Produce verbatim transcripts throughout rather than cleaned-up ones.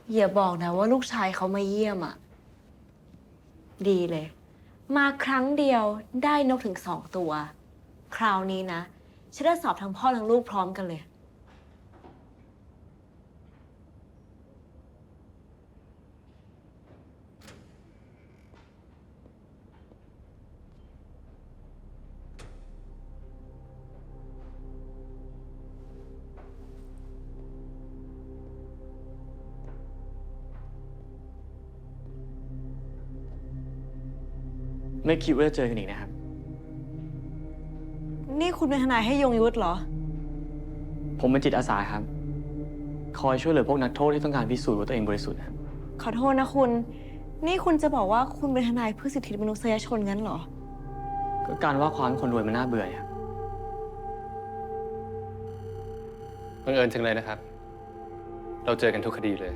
อย่าบอกนะว่าลูกชายเขามาเยี่ยมอ่ะดีเลย มาครั้งเดียวได้นกถึงสองตัว คราวนี้นะฉันได้สอบทั้งพ่อทั้งลูกพร้อมกันเลยไม่คิดว่าจะเจอกันอีกนะครับนี่คุณเป็นทนายให้ยงยุทธเหรอผมเป็นจิตอาสาครับ คอยช่วยเหลือพวกนักโทษที่ต้องการพิสูจน์ว่าตัวเองบริสุทธิ์ครับขอโทษนะคุณ นี่คุณจะบอกว่าคุณเป็นทนายเพื่อสิทธิมนุษยชนงั้นเหรอก็การว่าความคนรวยมันน่าเบื่อครับบังเอิญจังเลยนะครับ เราเจอกันทุกคดีเลย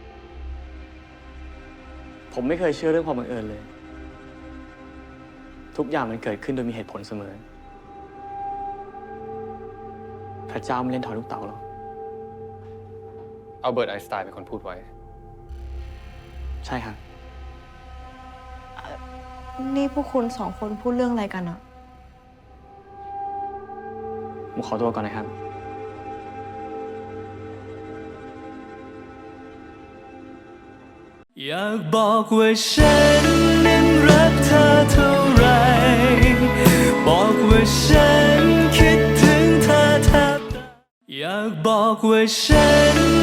ผมไม่เคยเชื่อเรื่องความบังเอิญเลย ทุกอย่างมันเกิดขึ้นโดยมีเหตุผลเสมอ พระเจ้าไม่เล่นถอยลูกเต๋าหรอกเอาเบิร์ตไอน์สไตน์เป็นคนพูดไว้ใช่ครับนี่พวกคุณสองคนพูดเรื่องอะไรกันอะผมขอตัวก่อนนะครับอยากบอกว่าฉันนั้นรักเธอเท่าไร บอกว่าฉันคิดถึงเธอแทบตายอยากบอกว่าฉัน